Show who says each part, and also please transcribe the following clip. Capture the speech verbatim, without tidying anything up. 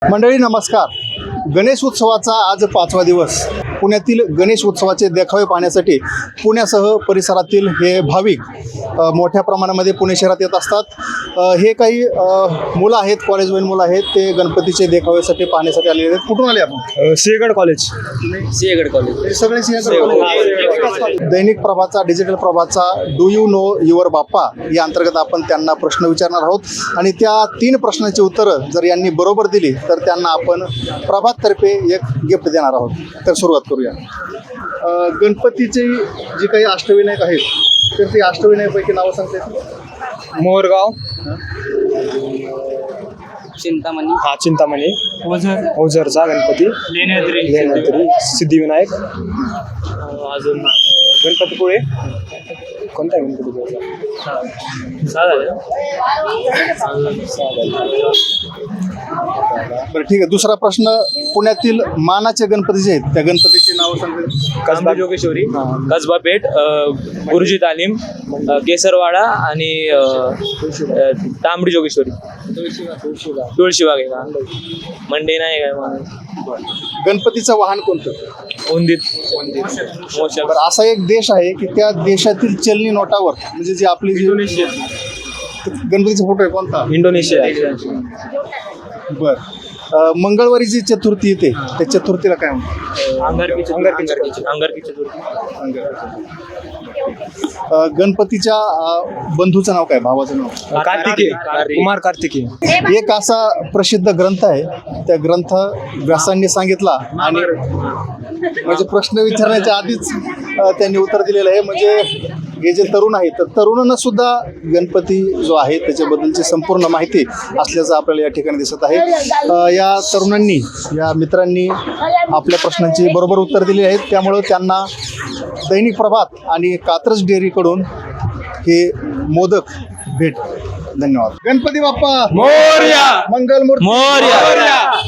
Speaker 1: मंडळी नमस्कार. गणेश उत्सवाचा आज पाचवा दिवस. पुण्यातील गणेश उत्सवाचे देखावे पाहण्यासाठी पुण्यासह परिसरातील हे भाविक अ, मोठ्या प्रमाणामध्ये पुणे शहरात येत असतात. अ, हे काही अ, मुलं आहेत, कॉलेजवरील मुलं आहेत, ते गणपतीचे देखाव्यासाठी पाहण्यासाठी आलेले आहेत. कुठून आले आपण?
Speaker 2: सिंहगड कॉलेज.
Speaker 3: सिंहगड कॉलेज.
Speaker 1: हे सगळे सिंहगड कॉलेज. दैनिक प्रभाचा, डिजिटल प्रभाचा do you know your Bappa या अंतर्गत आपण त्यांना प्रश्न विचारणार आहोत आणि त्या तीन प्रश्नांची उत्तरं जर यांनी बरोबर दिली तर त्यांना आपण प्रभाततर्फे एक गिफ्ट देणार आहोत. तर सुरुवात करूया. अ, गणपतीचे जे काही अष्टविनायक आहेत तर ते अष्टविनायकापैकी नावं सांगता येतील?
Speaker 2: मोरगाव,
Speaker 3: चिंतामणी,
Speaker 2: हा चिंतामणी,
Speaker 3: ओझर,
Speaker 2: ओझरचा गणपती,
Speaker 3: लेण्याद्री,
Speaker 2: लेण्याद्री, सिद्धिविनायक,
Speaker 3: अजून
Speaker 2: गणपतीपुळे. कोणता आहे गणपतीपुळे?
Speaker 1: बरं ठीक आहे. दुसरा प्रश्न, पुण्यातील मानाचे गणपती जे आहेत त्या गणपतीची नावं सांगता येतील?
Speaker 3: कसबा जोगेश्वरी, कसबा पेठ, अ, गुरुजी तालीम, अ, केसरवाडा आणि अ, अ, तांबडी जोगेश्वरी, तुळशीबाग आहे का, मंडे नाही काय मला,
Speaker 1: गणपतीचं वाहन कोणतं?
Speaker 3: उंदीत, मोशा.
Speaker 1: बरं, असा एक देश आहे की त्या देशातील चलनी नोटावर म्हणजे जी आपली जी गणपतीचा फोटो आहे कोणता?
Speaker 2: इंडोनेशिया.
Speaker 1: बर. अ, मंगळवारी जी चतुर्थी येते त्या चतुर्थीला काय म्हणतात?
Speaker 3: अंगारकी चतुर्थी, अंगारकी चतुर्थी.
Speaker 1: अ, गणपतीच्या अ, बंधूचं नाव काय, भावाचं नाव?
Speaker 2: कार्तिकेय, कुमार कार्तिकेय.
Speaker 1: एक असा प्रसिद्ध ग्रंथ आहे, त्या ग्रंथ व्यासांनी सांगितला आणि म्हणजे प्रश्न विचारण्याच्या आधीच अ, त्यांनी उत्तर दिलेलं आहे. म्हणजे हे जे तरुण आहेत तर तरुणांना सुद्धा गणपती जो आहे त्याच्याबद्दलची संपूर्ण माहिती असल्याचं आपल्याला या ठिकाणी दिसत आहे. अ, या तरुणांनी, या मित्रांनी आपल्या प्रश्नांची बरोबर उत्तर दिली आहेत, त्यामुळं त्यांना दैनिक प्रभात आणि कात्रज डेअरीकडून हे मोदक भेट. धन्यवाद. गणपती बाप्पा
Speaker 2: मोरया.
Speaker 1: मंगलमूर्ती
Speaker 3: मोरया.